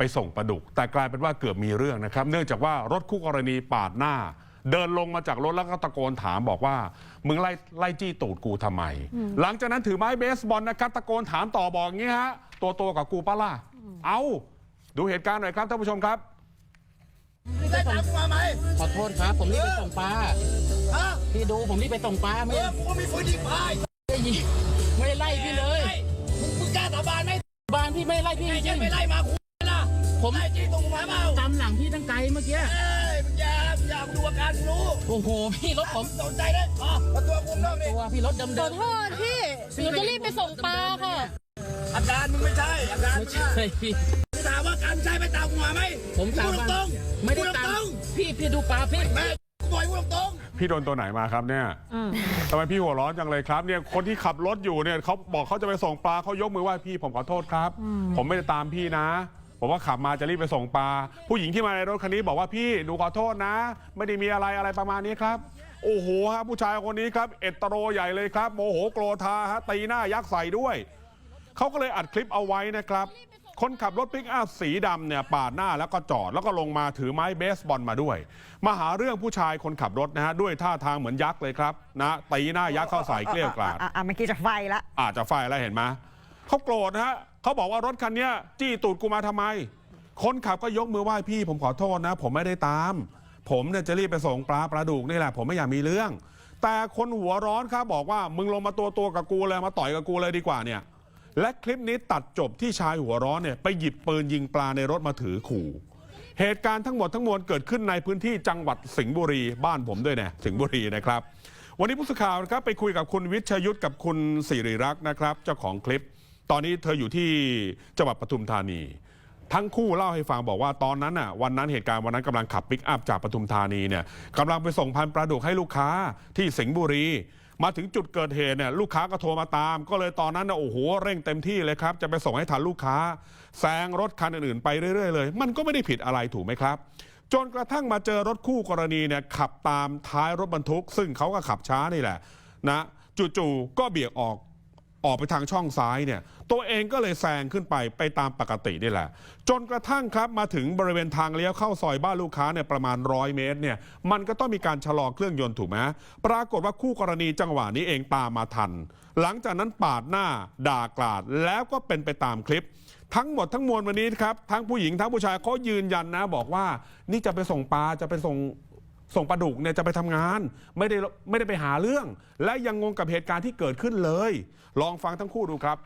ส่งปลาดุกแต่กลายเป็นว่าเกือบมีเรื่องนะครับเนื่องจากว่ารถคู่กรณีปาดหน้าเดินลงมาจากรถแล้วก็ตะโกนถามบอกว่ามึงไล่จี้ตูดกูทำไมหลังจากนั้นถือไม้เบสบอลนะครับตะโกนถามต่อบอกงี้ฮะตัวกับกูป้าล่ะเอาดูเหตุการณ์หน่อยครับท่านผู้ชมครับได้ตามกูมาไหมขอโทษครับผมรีบไปส่งปลาพี่ดูผมรีบไปส่งปลาไม่กูก็มีปืนยิงปลาได้ยิงไม่ได้ไล่พี่เลยมึงกล้าสาบานไหมบานพี่ไม่ไล่พี่จริงไม่ไล่มากูนะผมไล่จี้ตรงมาเปล่าตามหลังพี่ตั้งไกลเมื่อกี้มึงอย่าดูอาการรู้โอ้โหพี่รถผมสนใจเลยมาตัวกูเริ่มเลยตัวพี่รถเดิมขอโทษพี่หนูจะรีบไปส่งปลาค่ะอาการมึงไม่ใช่อาการไม่ใช่พี่ถามว่าการใช่ไปตามกูมาไหมผมตามตรงไม่ได้ตามพี่ดูปลาพี่แม่กูบอกกูตรงพี่โดนตัวไหนมาครับเนี่ยทำไมพี่หัวร้อนจังเลยครับเนี่ยคนที่ขับรถอยู่เนี่ยเขาบอกเขาจะไปส่งปลาเขายกมือไหว้พี่ผมขอโทษครับผมไม่ได้ตามพี่นะผมว่าขับมาจะรีบไปส่งปลาผู้หญิงที่มาในรถคันนี้บอกว่าพี่หนูขอโทษนะไม่ได้มีอะไรประมาณนี้ครับโอ้โหฮะผู้ชายคนนี้ครับเอตโรใหญ่เลยครับโมโหโกรธาฮะตีหน้ายักษ์ใส่ด้วยเขาก็เลยอัดคลิปเอาไว้นะครับคนขับรถปิกอัพสีดำเนี่ยปาดหน้าแล้วก็จอดแล้วก็ลงมาถือไม้เบสบอลมาด้วยมาหาเรื่องผู้ชายคนขับรถนะฮะด้วยท่าทางเหมือนยักษ์เลยครับนะตีหน้ายักษ์เข้าใส่เกลี้ยกล่อมเมื่อกี้จะไฟละอาจจะไฟแล้วเห็นไหมเขาโกรธนะฮะเขาบอกว่ารถคันนี้จี้ตูดกูมาทำไมคนขับก็ยกมือไหว้พี่ผมขอโทษนะผมไม่ได้ตามผมเนี่ยจะรีบไปส่งปลาดุกนี่แหละผมไม่อยากมีเรื่องแต่คนหัวร้อนครับบอกว่ามึงลงมาตัวกับกูเลยมาต่อยกับกูเลยดีกว่าเนี่ยและคลิปนี้ตัดจบที่ชายหัวร้อนเนี่ยไปหยิบปืนยิงปลาในรถมาถือขู่เหตุการณ์ทั้งหมดทั้งมวลเกิดขึ้นในพื้นที่จังหวัดสิงห์บุรีบ้านผมด้วยนะสิงห์บุรีนะครับวันนี้ผู้สื่อข่าวครับไปคุยกับคุณวิชยุทธกับคุณสิริรักษ์นะครับเจ้าของคลิปตอนนี้เธออยู่ที่จังหวัดปทุมธานีทั้งคู่เล่าให้ฟังบอกว่าตอนนั้นน่ะวันนั้นเหตุการณ์วันนั้นกำลังขับปิกอัพจากปทุมธานีเนี่ยกำลังไปส่งพันธุ์ปลาดุกให้ลูกค้าที่สิงห์บุรีมาถึงจุดเกิดเหตุเนี่ยลูกค้าก็โทรมาตามก็เลยตอนนั้นนะโอ้โหเร่งเต็มที่เลยครับจะไปส่งให้ทันลูกค้าแซงรถคันอื่นๆไปเรื่อยๆเลยมันก็ไม่ได้ผิดอะไรถูกไหมครับจนกระทั่งมาเจอรถคู่กรณีเนี่ยขับตามท้ายรถบรรทุกซึ่งเขาก็ขับช้านี่แหละนะจู่ๆก็เบี่ยงออกไปทางช่องซ้ายเนี่ยตัวเองก็เลยแซงขึ้นไปตามปกตินี่แหละจนกระทั่งครับมาถึงบริเวณทางเลี้ยวเข้าซอยบ้านลูกค้าเนี่ยประมาณ100 เมตรเนี่ยมันก็ต้องมีการชะลอเครื่องยนต์ถูกไหมปรากฏว่าคู่กรณีจังหวะนี้เองตามมาทันหลังจากนั้นปาดหน้าด่ากราดแล้วก็เป็นไปตามคลิปทั้งหมดทั้งมวลวันนี้ครับทั้งผู้หญิงทั้งผู้ชายเขายืนยันนะบอกว่านี่จะไปส่งปลาจะไปส่งปลาดุกเนี่ยจะไปทำงานไม่ได้ไปหาเรื่องและยังงงกับเหตุการณ์ที่เกิดขึ้นเลยลองฟังทั้งคู่ดูครับ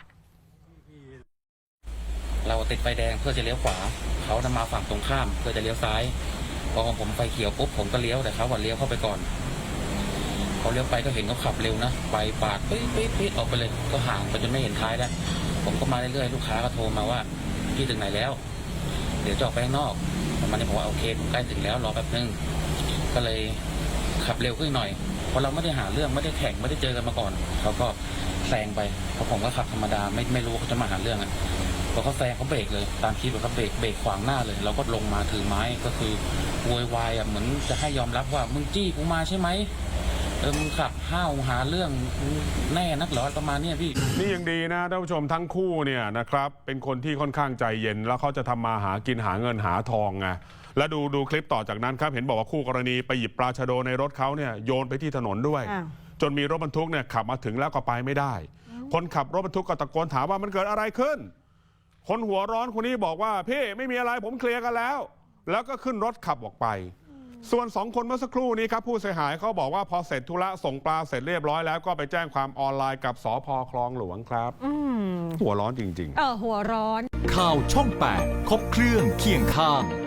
เราติดไฟแดงเพื่อจะเลี้ยวขวาเขาจะมาฝั่งตรงข้ามเพื่อจะเลี้ยวซ้ายพอของผมไฟเขียวปุ๊บผมก็เลี้ยวแต่เขาเลี้ยวเข้าไปก่อนเขาเลี้ยวไปก็เห็นเขาขับเร็วนะไปปาดปิ๊ดออกไปเลยก็ห่างไปจนไม่เห็นท้ายแล้วผมก็มาเรื่อยๆลูกค้าก็โทรมาว่าพี่ถึงไหนแล้วเดี๋ยวจะออกไปข้างนอกมันจะบอกว่าโอเคผมใกล้ถึงแล้วรอแป๊บนึงก็เลยขับเร็วขึ้นหน่อยเพราะเราไม่ได้หาเรื่องไม่ได้แข่งไม่ได้เจอกันมาก่อนเขาก็แซงไปเพราะผมก็ขับธรรมดาไม่รู้เขาจะมาหาเรื่องอ่ะพอเขาแซงเขาเบรกเลยตามคลิปเขาเบรกขวางหน้าเลยเราก็ลงมาถือไม้ก็คือโวยวายอ่ะเหมือนจะให้ยอมรับว่ามึงจี้กูมาใช่ไหมมึงขับห้าวหาเรื่องแน่นักเหรอประมาณนี้พี่นี่ยังดีนะท่านผู้ชมทั้งคู่เนี่ยนะครับเป็นคนที่ค่อนข้างใจเย็นแล้วเขาจะทำมาหากินหาเงินหาทองไงแล้วดูคลิปต่อจากนั้นครับเห็นบอกว่าคู่กรณีไปหยิบปลาชะโดในรถเขาเนี่ยโยนไปที่ถนนด้วยจนมีรถบรรทุกเนี่ยขับมาถึงแล้วก็ไปไม่ได้คนขับรถบรรทุกก็ตะโกนถามว่ามันเกิดอะไรขึ้นคนหัวร้อนคนนี้บอกว่าพี่ไม่มีอะไรผมเคลียร์กันแล้วก็ขึ้นรถขับออกไปส่วน2 คนเมื่อสักครู่นี้ครับผู้เสียหายเขาบอกว่าพอเสร็จธุระส่งปลาเสร็จเรียบร้อยแล้วก็ไปแจ้งความออนไลน์กับสภ.คลองหลวงครับหัวร้อนจริงๆหัวร้อนข่าวช่อง 8 ครบเครื่องเคียงข้าง